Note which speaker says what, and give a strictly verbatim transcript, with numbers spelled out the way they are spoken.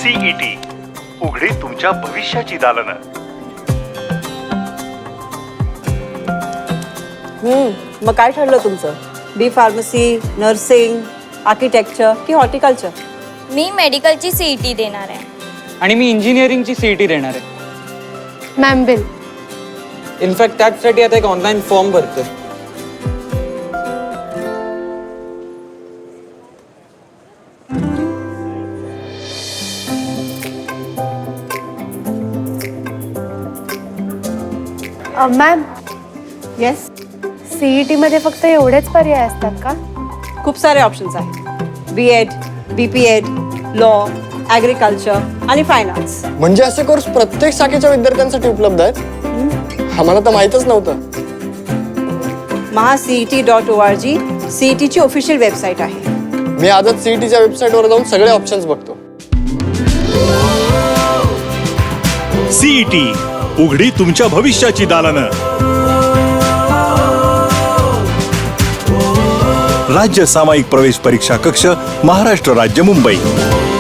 Speaker 1: CET उघडी तुमच्या भविष्याची दालनं.
Speaker 2: हम्म मग काय ठरलं तुमचं? बी फार्मसी, नर्सिंग, आर्किटेक्चर की हॉर्टिकल्चर?
Speaker 3: मी मेडिकलची सीईटी देणार आहे.
Speaker 4: आणि मी इंजिनिअरिंगची सीईटी देणार आहे.
Speaker 5: Ma'am bill.
Speaker 4: इनफॅक्ट त्याचसाठी आता एक ऑनलाईन फॉर्म भरतोय.
Speaker 5: मॅम,
Speaker 2: येस,
Speaker 5: सीईटी मध्ये फक्त एवढेच पर्याय असतात का?
Speaker 2: खूप सारे ऑप्शन्स आहेत. B Ed, B P Ed, law, agriculture आणि फायनान्स.
Speaker 6: म्हणजे असे कोर्स प्रत्येक शाखेच्या विद्यार्थ्यांसाठी उपलब्ध आहेत? आम्हाला तर माहीतच नव्हतं.
Speaker 2: Maha CET dot O R G सीईटीची ऑफिशियल वेबसाईट आहे.
Speaker 6: मी आजच सीईटीच्या वेबसाईटवर जाऊन सगळे ऑप्शन्स बघतो.
Speaker 1: सीईटी उघडी तुमच्या भविष्याची दालनं. राज्य सामायिक प्रवेश परीक्षा कक्ष, महाराष्ट्र राज्य, मुंबई.